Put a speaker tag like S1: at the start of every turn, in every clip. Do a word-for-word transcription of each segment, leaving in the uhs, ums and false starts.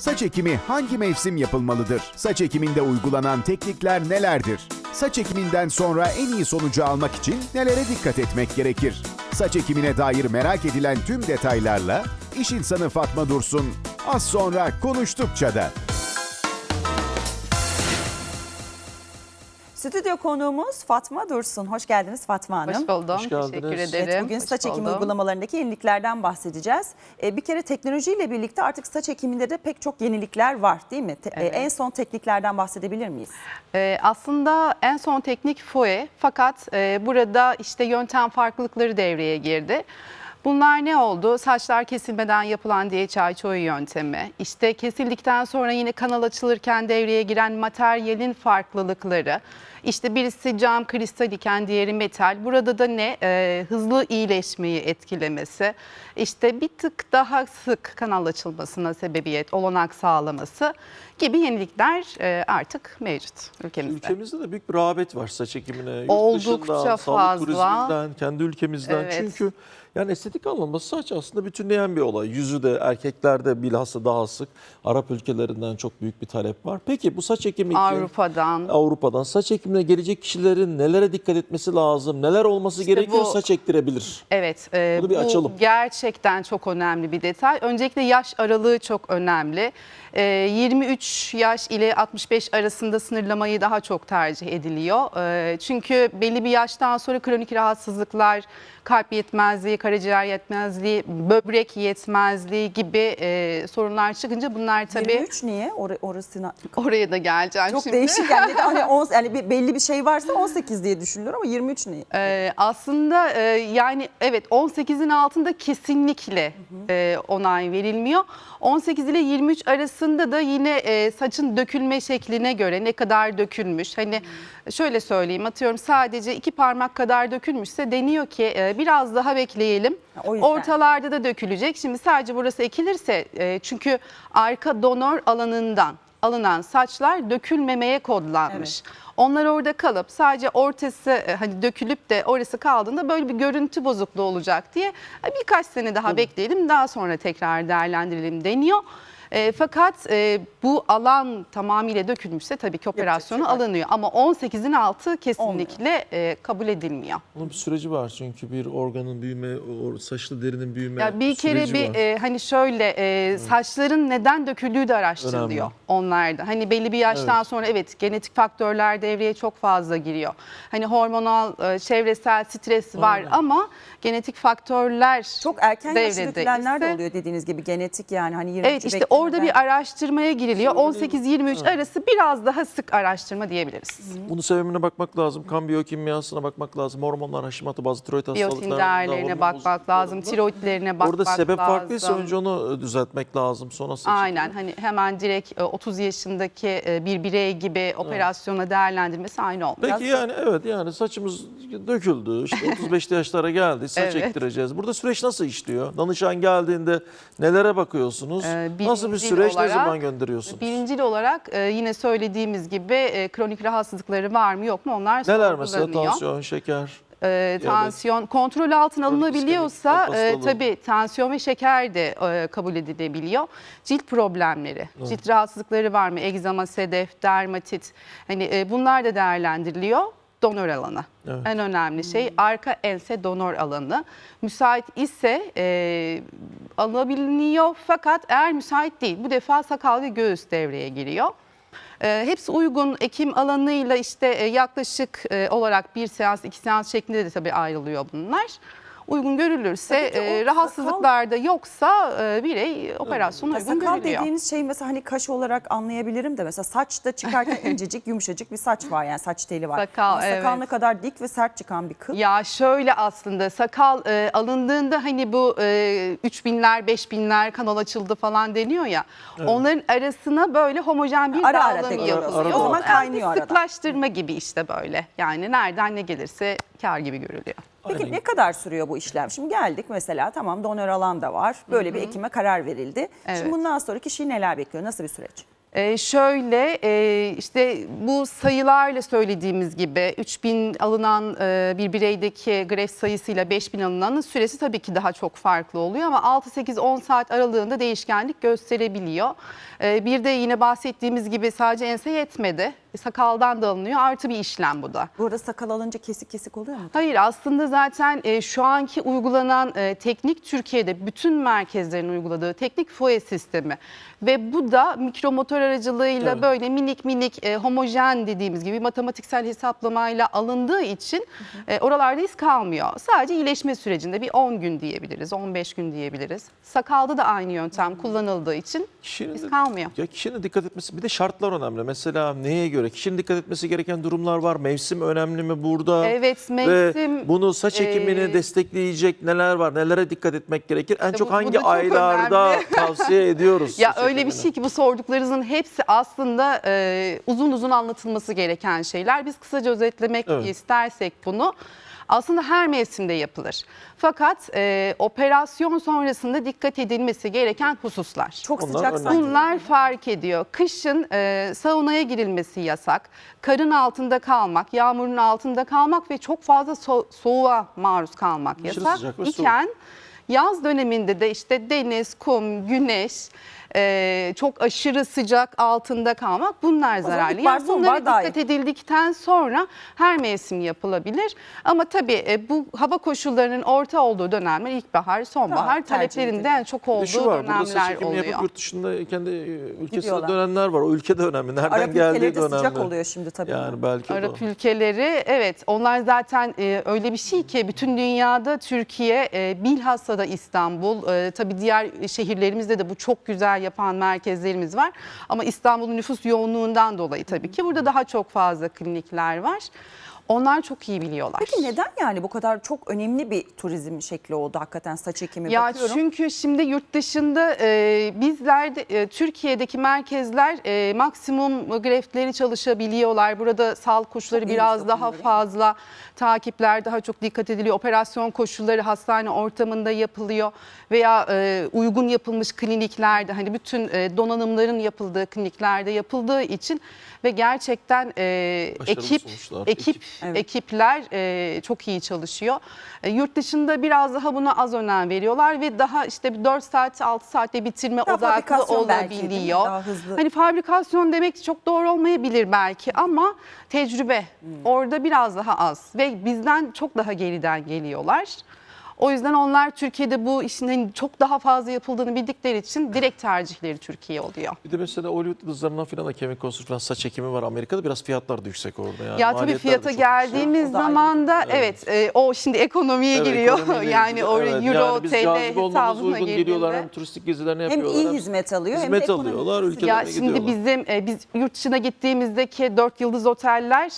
S1: Saç ekimi hangi mevsim yapılmalıdır? Saç ekiminde uygulanan teknikler nelerdir? Saç ekiminden sonra en iyi sonucu almak için nelere dikkat etmek gerekir? Saç ekimine dair merak edilen tüm detaylarla iş insanı Fatma Dursun az sonra Konuştukça da.
S2: Stüdyo konuğumuz Fatma Dursun. Hoş geldiniz Fatma Hanım.
S3: Hoş buldum.
S4: Hoş geldiniz.
S3: Teşekkür ederim.
S2: Evet, bugün
S3: Hoş
S2: saç ekimi
S3: buldum.
S2: uygulamalarındaki yeniliklerden bahsedeceğiz. Ee, bir kere teknolojiyle birlikte artık saç ekiminde de pek çok yenilikler var değil mi? Te-
S3: Evet.
S2: e, en son tekniklerden bahsedebilir miyiz?
S3: Ee, aslında en son teknik F O E, fakat e, burada işte yöntem farklılıkları devreye girdi. Bunlar ne oldu? Saçlar kesilmeden yapılan D H I çoğu yöntemi, işte kesildikten sonra yine kanal açılırken devreye giren materyalin farklılıkları, işte birisi cam kristal iken diğeri metal. Burada da ne? Ee, hızlı iyileşmeyi etkilemesi, işte bir tık daha sık kanal açılmasına sebebiyet, olanak sağlaması gibi yenilikler e, artık mevcut ülkemizde.
S4: Ülkemizde de büyük bir rağbet var saç ekimine. Yurt
S3: Oldukça
S4: dışından,
S3: fazla.
S4: sağlık turizminden, kendi ülkemizden.
S3: Evet.
S4: Çünkü yani estetik anlamda saç aslında bütünleyen bir olay. Yüzü de erkeklerde bilhassa daha sık. Arap ülkelerinden çok büyük bir talep var. Peki bu saç ekimi için
S3: Avrupa'dan.
S4: Avrupa'dan saç ekimine gelecek kişilerin nelere dikkat etmesi lazım? Neler olması
S3: İşte
S4: gerekiyor
S3: bu-
S4: saç ektirebilir?
S3: Evet, e,
S4: Bunu bir
S3: bu
S4: açalım.
S3: gerçekten çok önemli bir detay. Öncelikle yaş aralığı çok önemli. E, yirmi üç yaş ile altmış beş arasında sınırlamayı daha çok tercih ediliyor. E, çünkü belli bir yaştan sonra kronik rahatsızlıklar, kalp yetmezliği, karaciğer yetmezliği, böbrek yetmezliği gibi e, sorunlar çıkınca bunlar tabii
S2: yirmi üç niye? Or orasına
S3: oraya da geleceğim
S2: çok
S3: şimdi.
S2: değişik yani. Hani on, yani bir, belli bir şey varsa on sekiz diye düşünülür ama yirmi üç niye?
S3: Ee, aslında e, yani evet on sekizin altında kesinlikle e, onay verilmiyor. on sekiz ile yirmi üç arasında da yine e, saçın dökülme şekline göre ne kadar dökülmüş. Hani şöyle söyleyeyim, atıyorum sadece iki parmak kadar dökülmüşse deniyor ki e, biraz daha bekleyelim.
S2: Ha, o yüzden.
S3: Ortalarda da dökülecek. Şimdi sadece burası ekilirse e, çünkü arka donör alanından alınan saçlar dökülmemeye kodlanmış.
S2: Evet.
S3: Onlar orada kalıp sadece ortası e, hani dökülüp de orası kaldığında böyle bir görüntü bozukluğu olacak diye e, birkaç sene daha bekleyelim, daha sonra tekrar değerlendirelim deniyor. E, fakat e, bu alan tamamıyla dökülmüşse tabii ki operasyonu
S2: şey var.
S3: alınıyor ama on sekizin altı kesinlikle e, kabul edilmiyor.
S4: Bunun bir süreci var çünkü bir organın büyüme, o saçlı derinin büyüme
S3: Ya bir kere
S4: süreci
S3: bir
S4: var.
S3: e, hani şöyle e, saçların neden döküldüğü de araştırılıyor
S4: Önemli.
S3: onlarda. Hani belli bir yaştan
S4: Evet.
S3: sonra evet genetik faktörler devreye çok fazla giriyor. Hani hormonal, e, çevresel stres var
S4: Aynen.
S3: ama genetik faktörler
S2: Çok erken yaşta
S3: devrede
S2: dökülenler de
S3: ise-
S2: oluyor dediğiniz gibi, genetik yani hani yirmi
S3: Evet, işte orada bir araştırmaya giriliyor. on sekiz yirmi üç arası biraz daha sık araştırma diyebiliriz.
S4: Bunun sebebine bakmak lazım. Kan biyokimyasına bakmak lazım. Hormonlar, haşimatı, bazı tiroid hastalıklarında.
S3: Biyotin değerlerine
S4: hormon
S3: bakmak lazım,
S4: bozukluklarında.
S3: tiroidlerine bakmak
S4: Orada sebep
S3: lazım.
S4: farklıysa önce onu düzeltmek lazım. Sonra saç
S3: Aynen,
S4: ekimi.
S3: hani hemen direkt e, otuz yaşındaki e, bir birey gibi operasyona değerlendirmesi aynı olmuyor.
S4: Peki yani evet yani saçımız döküldü. İşte otuz beşli yaşlara geldi. Saç
S3: Evet.
S4: ektireceğiz. Burada süreç nasıl işliyor? Danışan geldiğinde nelere bakıyorsunuz?
S3: Ee,
S4: Nasıl bir
S3: birincil
S4: süreç, ne
S3: olarak-
S4: zaman gönderiyorsunuz?
S3: Birincil olarak e, yine söylediğimiz gibi e, kronik rahatsızlıkları var mı yok mu onlar
S4: Neler mesela?
S3: sorgulanıyor.
S4: Tansiyon, şeker.
S3: E, tansiyon kontrol altına
S4: Kronik
S3: alınabiliyorsa
S4: iskemik
S3: e,
S4: hastalığı.
S3: tabii tansiyon ve şeker de e, kabul edilebiliyor. Cilt problemleri, cilt rahatsızlıkları var mı? Egzama, sedef, dermatit, hani e, bunlar da değerlendiriliyor. Donör alanı.
S4: Evet.
S3: En önemli şey arka ense donör alanı. Müsait ise e, alabiliyor, fakat eğer müsait değil bu defa sakal ve göğüs devreye giriyor. E, hepsi uygun ekim alanıyla işte e, yaklaşık e, olarak bir seans iki seans şeklinde de tabii ayrılıyor bunlar. Uygun görülürse,
S2: Tabii ki o
S3: e, rahatsızlıklar da yoksa e, birey operasyona uygun
S2: sakal
S3: görülüyor.
S2: dediğiniz şey mesela hani kaş olarak anlayabilirim de mesela saçta çıkarken incecik yumuşacık bir saç var, yani saç teli var.
S3: Sakal,
S2: Ama sakal
S3: evet.
S2: ne kadar dik ve sert çıkan bir kıl.
S3: Ya şöyle, aslında sakal e, alındığında hani bu e, üç binler beş binler kanal açıldı falan deniyor ya. Onların arasına böyle homojen bir
S2: Ara ara
S3: dağılım
S2: tekrar
S3: yapılıyor.
S4: oluyor. O zaman
S3: Yani
S2: kaynıyor
S3: bir
S2: arada.
S3: sıklaştırma gibi işte böyle. Yani nereden ne gelirse kar gibi görülüyor.
S2: Peki
S4: Aynen.
S2: ne kadar sürüyor bu işlem? Şimdi geldik mesela, tamam donör alan da var. Böyle bir ekime karar verildi.
S3: Evet.
S2: Şimdi bundan sonra kişiyi neler bekliyor? Nasıl bir süreç?
S3: Ee, şöyle e, işte bu sayılarla söylediğimiz gibi üç bin alınan e, bir bireydeki greft sayısıyla beş bin alınanın süresi tabii ki daha çok farklı oluyor ama altı sekiz on saat aralığında değişkenlik gösterebiliyor. Ee, bir de yine bahsettiğimiz gibi sadece ense yetmedi. Sakaldan da alınıyor, artı bir işlem bu da.
S2: Bu arada sakal alınca kesik kesik oluyor mu?
S3: Hayır, aslında zaten e, şu anki uygulanan e, teknik Türkiye'de bütün merkezlerin uyguladığı teknik F O E sistemi ve bu da mikromotor aracılığıyla
S4: Evet.
S3: böyle minik minik e, homojen dediğimiz gibi matematiksel hesaplamayla alındığı için e, oralarda iz kalmıyor. Sadece iyileşme sürecinde bir on gün diyebiliriz, on beş gün diyebiliriz. Sakalda da aynı yöntem kullanıldığı için
S4: Kişinin
S3: iz
S4: de-
S3: kalmıyor.
S4: Ya kişinin dikkat etmesi, bir de şartlar önemli. Mesela neye göre? Kişinin dikkat etmesi gereken durumlar var. Mevsim önemli mi burada?
S3: Evet,
S4: Ve
S3: mevsim,
S4: bunu saç ekimini
S3: e,
S4: destekleyecek neler var? Nelere dikkat etmek gerekir? En
S3: İşte
S4: çok
S3: bu- bu
S4: hangi
S3: da çok
S4: aylarda
S3: önemli.
S4: tavsiye ediyoruz?
S3: Ya
S4: saç
S3: öyle bir
S4: ekimini?
S3: şey ki bu sorduklarınızın hepsi aslında e, uzun uzun anlatılması gereken şeyler. Biz kısaca özetlemek
S4: Evet.
S3: istersek bunu aslında her mevsimde yapılır. Fakat e, operasyon sonrasında dikkat edilmesi gereken hususlar.
S2: Çok
S4: Onlar
S2: sıcak
S4: önemli.
S2: saç.
S3: Bunlar fark ediyor. Kışın e, saunaya girilmesi yasak. Karın altında kalmak, yağmurun altında kalmak ve çok fazla so- soğuğa maruz kalmak
S4: Aşırı
S3: yasak
S4: sıcak ve soğuk.
S3: iken yaz döneminde de işte deniz, kum, güneş, e, çok aşırı sıcak altında kalmak bunlar
S2: zaman
S3: zararlı.
S2: ilkbahar,
S3: Yani bunlara
S2: sonbahar daha
S3: dikkat edildikten sonra her mevsim yapılabilir. Ama tabii e, bu hava koşullarının orta olduğu dönemler ilkbahar, sonbahar
S2: Tamam, tercih
S3: taleplerinde
S2: edilir.
S3: en çok
S4: Bir de
S3: olduğu
S4: şu var, burada saç
S3: dönemler
S4: ekimi
S3: oluyor.
S4: yapıp yurt dışında kendi e, ülkesine
S2: Gidiyorlar.
S4: dönenler var. O ülke de önemli. Nereden
S2: Arap
S4: geldiği
S2: ülkeleri
S4: de
S2: de
S4: önemli.
S2: sıcak oluyor şimdi tabii.
S4: Yani belki o da.
S3: Arap ülkeleri, evet, onlar zaten e, öyle bir şey ki bütün dünyada Türkiye, e, bilhassa da İstanbul, e, tabii diğer şehirlerimizde de bu çok güzel yapan merkezlerimiz var. Ama İstanbul'un nüfus yoğunluğundan dolayı tabii ki burada daha çok fazla klinikler var. Onlar çok iyi biliyorlar.
S2: Peki neden yani bu kadar çok önemli bir turizm şekli oldu hakikaten saç ekimi?
S3: Ya
S2: Bakıyorum.
S3: çünkü şimdi yurt dışında e, bizler de, e, Türkiye'deki merkezler e, maksimum greftleri çalışabiliyorlar. Burada sağlık koşulları
S2: Çok iyi
S3: biraz
S2: bir
S3: daha
S2: takımda, değil mi?
S3: fazla, takipler daha çok dikkat ediliyor. Operasyon koşulları hastane ortamında yapılıyor veya e, uygun yapılmış kliniklerde, hani bütün e, donanımların yapıldığı kliniklerde yapıldığı için ve gerçekten e,
S4: Başarılı
S3: ekip
S4: sonuçlar,
S3: ekip
S4: ekip.
S2: Evet.
S3: ekipler e, çok iyi çalışıyor. E, yurt dışında biraz daha buna az önem veriyorlar ve daha işte dört saat altı saatte bitirme
S2: Daha
S3: odaklı
S2: fabrikasyon belki, değil mi?
S3: olabiliyor.
S2: Daha hızlı.
S3: Hani fabrikasyon demek çok doğru olmayabilir belki ama tecrübe
S2: Hmm.
S3: orada biraz daha az ve bizden çok daha geriden geliyorlar. O yüzden onlar Türkiye'de bu işin hani çok daha fazla yapıldığını bildikleri için direkt tercihleri Türkiye oluyor.
S4: Bir de mesela Hollywood yıldızlarından filan da kemik konusunda falan saç ekimi var. Amerika'da biraz fiyatlar da yüksek orada. Yani.
S3: Ya tabii
S4: Maliyetler de
S3: fiyata
S4: çok
S3: geldiğimiz
S2: O da ayrı.
S3: zaman da evet, e, o şimdi ekonomiye
S4: yüksek. Evet,
S3: giriyor.
S4: ekonomiyle
S3: Yani
S4: ilgili.
S3: o
S4: Evet,
S3: euro,
S4: yani biz
S3: T L
S4: cazip olmamız
S3: hesabına
S4: uygun geliyorlar. Hem
S3: girdiğinde.
S4: turistik gezilerini
S2: Hem
S4: yapıyorlar.
S2: iyi hizmet alıyor hem de
S4: hizmet
S2: ekonomik
S4: alıyorlar.
S2: destek.
S4: Ülkelerine
S3: Ya şimdi
S4: gidiyorlar.
S3: bizim e, biz yurt dışına gittiğimizdeki dört yıldız oteller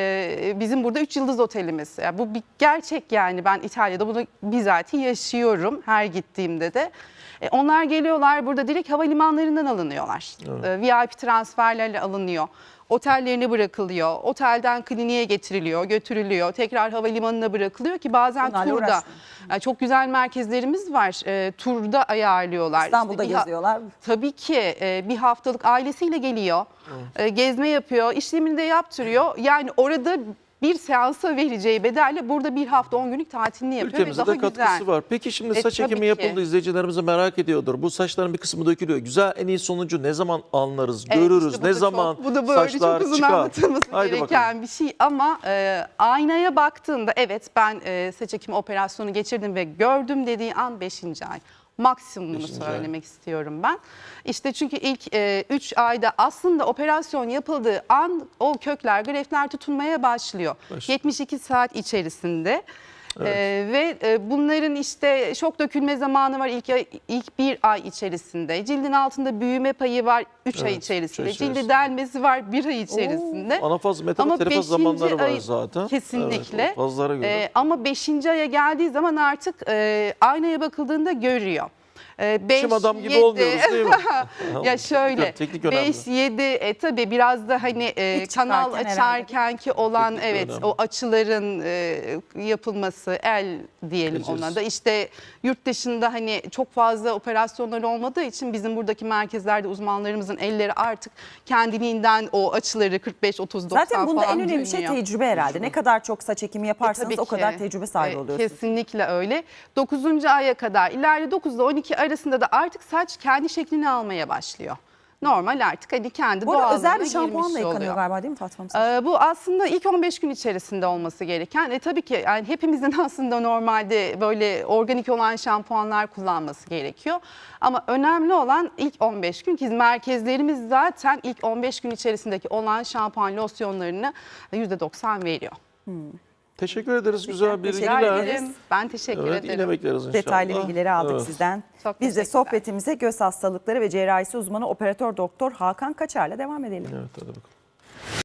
S3: e, bizim burada üç yıldız otelimiz. Ya bu bir gerçek yani, ben İtalya'da bunu bizatihi yaşıyorum her gittiğimde de. E, onlar geliyorlar burada direkt havalimanlarından alınıyorlar. E, V I P transferlerle alınıyor. Otellerine bırakılıyor. Otelden kliniğe getiriliyor, götürülüyor. Tekrar havalimanına bırakılıyor ki bazen
S2: Bunlarla
S3: turda.
S2: uğraşmayın.
S3: Yani çok güzel merkezlerimiz var. E, turda ayarlıyorlar.
S2: İstanbul'da
S3: İşte bir ha-
S2: geziyorlar.
S3: Tabii ki e, bir haftalık ailesiyle geliyor, e, gezme yapıyor, işlemini de yaptırıyor. Yani orada bir seansa vereceği bedelle burada bir hafta on günlük tatilini yapıyor
S4: Ülkemize
S3: ve daha
S4: de katkısı
S3: güzel.
S4: var. Peki şimdi
S3: E,
S4: saç
S3: tabii
S4: ekimi
S3: ki.
S4: yapıldı, izleyicilerimiz de merak ediyordur. Bu saçların bir kısmı dökülüyor. Güzel, en iyi sonucu ne zaman anlarız,
S3: Evet,
S4: görürüz,
S3: işte bu
S4: ne
S3: da
S4: zaman
S3: çok, bu da böyle
S4: saçlar
S3: çok uzun
S4: çıkar.
S3: anlatılması
S4: Haydi
S3: gereken
S4: bakalım.
S3: bir şey ama e, aynaya baktığında evet ben e, saç ekimi operasyonu geçirdim ve gördüm dediği an beşinci ay. Maksimumunu
S4: Beşinci ay.
S3: söylemek istiyorum ben. İşte çünkü ilk üç ayda aslında operasyon yapıldığı an o kökler, greftler tutunmaya başlıyor.
S4: Başlıyor.
S3: yetmiş iki saat içerisinde. Ee, ve e, bunların işte şok dökülme zamanı var ilk ay- ilk bir ay içerisinde. Cildin altında büyüme payı var üç ay
S4: Evet, üç ay
S3: içerisinde.
S4: içerisinde.
S3: Cildi delmesi var bir ay içerisinde.
S4: Anafaz,
S3: Ama
S4: metafaz, terefaz
S3: beşinci
S4: zamanları var
S3: ay-
S4: zaten.
S3: Kesinlikle.
S4: Evet, o fazlara göre.
S3: Ee, ama beşinci aya geldiği zaman artık e, aynaya bakıldığında görüyor. beş,
S4: Çim adam gibi
S3: yedi
S4: olmuyoruz değil mi?
S3: Ya şöyle
S4: Teknik önemli.
S3: beş yedi e, tabii biraz da hani e,
S2: İlk
S3: kanal
S2: çıkarken
S3: açarken ki olan
S4: Teknik
S3: evet
S4: önemli.
S3: o açıların e, yapılması el diyelim
S4: Becerisi.
S3: ona da işte yurt dışında hani çok fazla operasyonlar olmadığı için bizim buradaki merkezlerde uzmanlarımızın elleri artık kendiliğinden o açıları kırk beş otuz doksan
S2: Zaten bunda
S3: falan
S2: en önemli şey
S3: dönüyor.
S2: tecrübe herhalde. Ne kadar çok saç ekimi
S3: E,
S2: yaparsanız
S3: tabii
S2: o kadar
S3: ki.
S2: tecrübe sahibi
S3: E,
S2: oluyorsunuz.
S3: Kesinlikle öyle. dokuzuncu aya kadar ileride dokuz ile on iki arasında da artık saç kendi şeklini almaya başlıyor. Normal artık hani kendi
S2: Bu arada
S3: doğallığına
S2: özel bir
S3: girmiş
S2: şampuanla yıkanıyor
S3: oluyor.
S2: galiba değil mi Fatma Hanım?
S3: Ee, bu aslında ilk on beş gün içerisinde olması gereken. E, tabii ki yani hepimizin aslında normalde böyle organik olan şampuanlar kullanması gerekiyor. Ama önemli olan ilk on beş gün ki merkezlerimiz zaten ilk on beş gün içerisindeki olan şampuan losyonlarını yüzde doksan veriyor.
S4: Teşekkür ederiz güzel
S2: Teşekkür
S4: bilgiler.
S2: ederiz.
S3: Ben teşekkür
S4: Evet,
S3: ederim.
S4: yine bekleriz inşallah.
S2: Detaylı bilgileri aldık
S4: Evet.
S2: sizden.
S3: Çok
S2: Biz de
S3: teşekkürler.
S2: sohbetimize göz hastalıkları ve cerrahisi uzmanı operatör doktor Hakan Kaçar'la devam edelim.
S4: Evet, hadi bakalım.